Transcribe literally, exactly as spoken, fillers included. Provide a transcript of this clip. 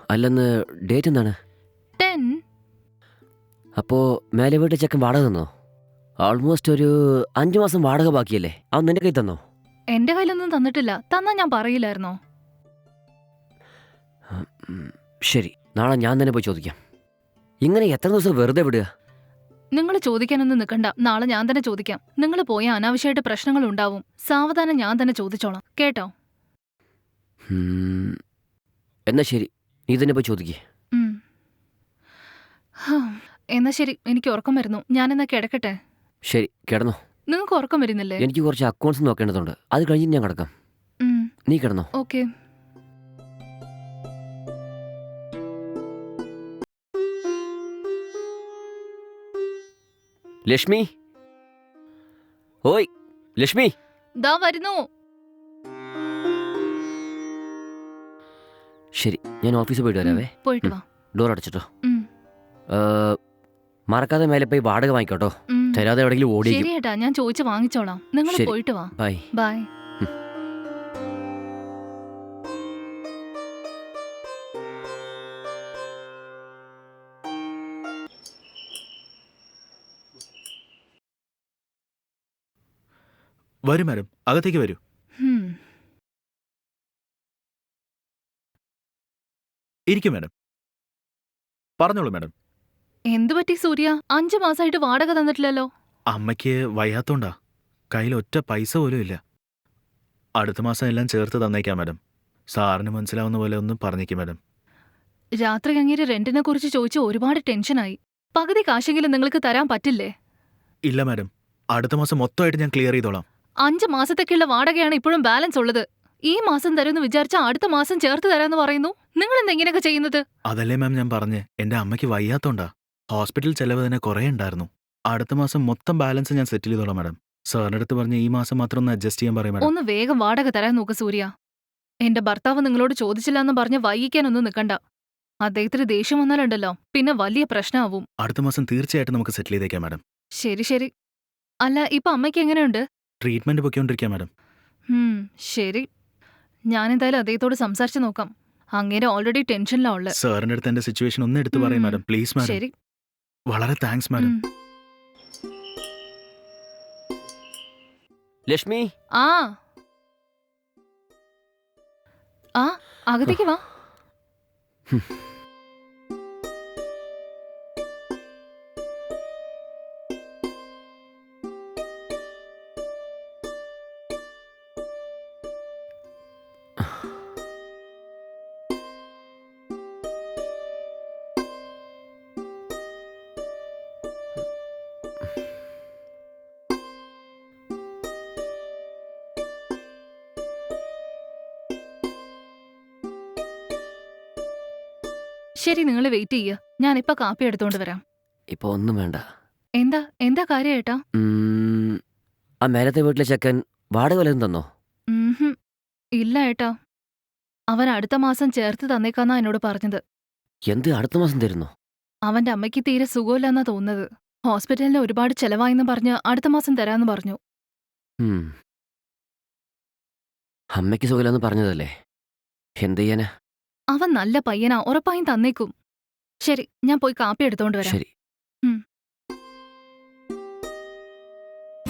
അല്ലെന്ന് ഡേറ്റ് എന്താണ്? ടെൻ. അപ്പോൾ മേലെ വീട്ടിൽ ചെക്കൻ വാടക തന്നോ? ഓൾമോസ്റ്റ് ഒരു അഞ്ച് മാസം വാടക ബാക്കിയല്ലേ? അവൻ നിന്റെ കയ്യിൽ തന്നോ? എന്റെ കയ്യിലൊന്നും തന്നിട്ടില്ല. തന്നാ ഞാൻ പറയില്ലായിരുന്നോ? ഉം, ശരി, നാളെ ഞാൻ തന്നെ പോയി ചോദിക്കാം. ഇങ്ങനെ എത്ര ദിവസം വെറുതെ വിടുക? നിങ്ങൾ ചോദിക്കാനൊന്നും നിൽക്കണ്ട. നാളെ ഞാൻ തന്നെ ചോദിക്കാം. നിങ്ങൾ പോയ അനാവശ്യമായിട്ട് പ്രശ്നങ്ങൾ ഉണ്ടാവും. സാവധാനം ഞാൻ തന്നെ ചോദിച്ചോളാം, കേട്ടോ? ഉം, എന്നാ ശരി, നീ തന്നെ പോയി ചോദിക്കേ. ഉം. ഹാ, എന്നാ ശരി, എനിക്ക് ഉറക്കം വരുന്നു. ഞാനെന്നാ കിടക്കട്ടെ. ശരി, കിടന്നോ. നിങ്ങൾക്ക് ഉറക്കം വരുന്നില്ലേ? എനിക്ക് കുറച്ച് അക്കൗണ്ട്സ് നോക്കേണ്ടതുണ്ട്. അത് കഴിഞ്ഞ് ഞാൻ കിടക്കാം. ഉം, നീ കിടന്നോ. ഓക്കെ. ലക്ഷ്മി, ഓയ് ലക്ഷ്മി. ദാ വരുന്നു. ശരി, ഞാൻ ഓഫീസിൽ പോയിട്ട് ഉം, വരാവേ. പോയിട്ട് വാ. ഡോർ അടച്ചിട്ടോ. ഉം, ഏ, മറക്കാതെ മേലെ പോയി വാടക വാങ്ങിക്കോട്ടോ. ഉം. തരാതെ എവിടെയെങ്കിലും ഓടിക്കും. ശരിയേട്ടാ, ഞാൻ ചോദിച്ചു വാങ്ങിച്ചോളാം. നിങ്ങൾ ശരി. പോയിട്ട് വാ. ബൈ. ബൈ. വരൂ മാഡം, അകത്തേക്ക് വരൂ. ഉം. ഇരിക്കും മാഡം. പറഞ്ഞോളൂ മാഡം. എന്തു പറ്റി സൂര്യ? അഞ്ചു മാസമായിട്ട് വാടക തന്നിട്ടില്ലല്ലോ. അമ്മയ്ക്ക് വയ്യാത്തോണ്ടാ. കയ്യിൽ ഒറ്റ പൈസ പോലും ഇല്ല. അടുത്ത മാസം എല്ലാം ചേർത്ത് തന്നേക്കാം മാഡം. സാറിന് മനസ്സിലാവുന്ന പോലെ ഒന്ന് പറഞ്ഞേക്കും മാഡം. രാത്രി അങ്ങേര് റെന്റിനെ കുറിച്ച് ചോദിച്ച് ഒരുപാട് ടെൻഷനായി. പകുതി കാശെങ്കിലും നിങ്ങൾക്ക് തരാൻ പറ്റില്ലേ? ഇല്ല മാഡം, അടുത്ത മാസം മൊത്തമായിട്ട് ഞാൻ ക്ലിയർ ചെയ്തോളാം. അഞ്ച് മാസത്തേക്കുള്ള വാടകയാണ് ഇപ്പോഴും ബാലൻസ് ഉള്ളത്. ഈ മാസം തരുമെന്ന് വിചാരിച്ചാൽ അടുത്ത മാസം ചേർത്ത് തരാമെന്ന് പറയുന്നു. നിങ്ങൾ എന്താ ഇങ്ങനെയൊക്കെ ചെയ്യുന്നത്? അതല്ലേ മാം ഞാൻ പറഞ്ഞ്, എൻ്റെ അമ്മയ്ക്ക് വയ്യാത്തോണ്ടാ. ഹോസ്പിറ്റൽ ചെലവ് തന്നെ കുറേ ഉണ്ടായിരുന്നു. അടുത്ത മാസം മൊത്തം ബാലൻസ് ഞാൻ സെറ്റിൽ ചെയ്തോളാം മാഡം. സാറിൻ്റെ അടുത്ത് പറഞ്ഞ് ഈ മാസം മാത്രം ഒന്ന് അഡ്ജസ്റ്റ് ചെയ്യാൻ പറയും മാഡം. ഒന്ന് വേഗം വാടക തരാൻ നോക്ക് സൂര്യ. എന്റെ ഭർത്താവ് നിങ്ങളോട് ചോദിച്ചില്ല എന്ന് പറഞ്ഞ് വൈകിക്കാനൊന്നും നിൽക്കണ്ട. അദ്ദേഹത്തിന് ദേഷ്യം വന്നാലുണ്ടല്ലോ പിന്നെ വലിയ പ്രശ്നമാവും. അടുത്ത മാസം തീർച്ചയായിട്ടും നമുക്ക് സെറ്റിൽ ചെയ്തേക്കാം മാഡം. ശരി ശരി. അല്ല, ഇപ്പൊ അമ്മയ്ക്ക് എങ്ങനെയുണ്ട്? ട്രീറ്റ്മെന്റ് പൊയ്ക്കൊണ്ടിരിക്കാം മാഡം. ഉം, ശരി. ഞാനെന്തായാലും അദ്ദേഹത്തോട് സംസാരിച്ച് നോക്കാം. അങ്ങേരെ ഓൾറെഡി ടെൻഷനിലാ ഉള്ളത്. സാറിൻ്റെ അടുത്ത് എൻ്റെ സിറ്റുവേഷൻ ഒന്ന് എടുത്ത് പറയും ഉം, മാഡം, പ്ലീസ് മാഡം. ശരി. വളരെ താങ്ക്സ് മാഡം. ഉം. ലക്ഷ്മി. ആ ആ അകത്തേക്ക് വാ. ശരി, നിങ്ങൾ വെയിറ്റ് ചെയ്യ. ഞാനിപ്പോ കാപ്പി എടുത്തോണ്ട് വരാം. ഇപ്പൊ ഒന്നും വേണ്ട. എന്താ എന്താ കാര്യം ഏട്ടാ? ഉം, ആ മേലത്തെ വീട്ടിലെ ചെക്കൻ വാടക വല്ലതും തന്നോ? ഉംഹും. ഇല്ല ഏട്ടാ. അവൻ അടുത്ത മാസം ചേർത്ത് തന്നേക്കാന്നാ എന്നോട് പറഞ്ഞത്. എന്ത് അടുത്ത മാസം തരുന്നോ? അവന്റെ അമ്മയ്ക്ക് തീരെ സുഖമില്ലെന്നാ തോന്നുന്നത്. ഹോസ്പിറ്റലിന് ഒരുപാട് ചെലവായെന്ന് പറഞ്ഞ് അടുത്ത മാസം തരാന്ന് പറഞ്ഞു. ഉം. അമ്മയ്ക്ക് സുഖമില്ലെന്ന് പറഞ്ഞതല്ലേ, എന്ത് ചെയ്യാനാ. അവൻ നല്ല പയ്യനാ, ഉറപ്പായും തന്നേക്കും. ശരി, ഞാൻ പോയി കാപ്പി എടുത്തോണ്ട് വരാം. ശരി. ഉം.